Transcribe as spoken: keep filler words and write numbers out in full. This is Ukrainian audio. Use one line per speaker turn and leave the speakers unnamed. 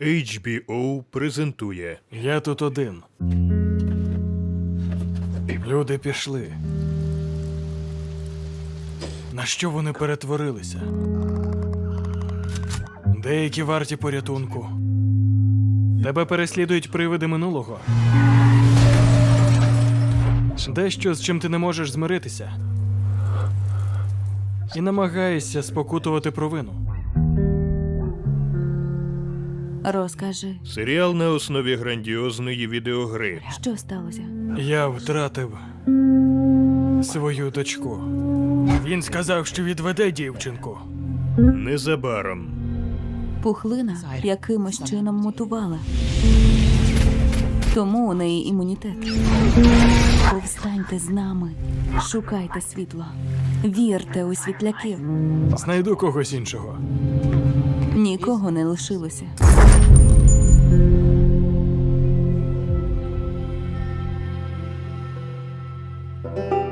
ейч бі о презентує.
Я тут один. Люди пішли. На що вони перетворилися? Деякі варті порятунку. Тебе переслідують привиди минулого. Дещо, з чим ти не можеш змиритися. І намагаєшся спокутувати провину.
Розкажи,
Серіал на основі грандіозної відеогри.
що сталося?
Я втратив свою дочку. Він сказав, що відведе дівчинку.
Незабаром.
Пухлина якимось чином мутувала. Тому у неї імунітет. Повстаньте з нами, шукайте світло, вірте у світляків.
Знайду когось іншого.
Нікого не лишилося.
Thank you.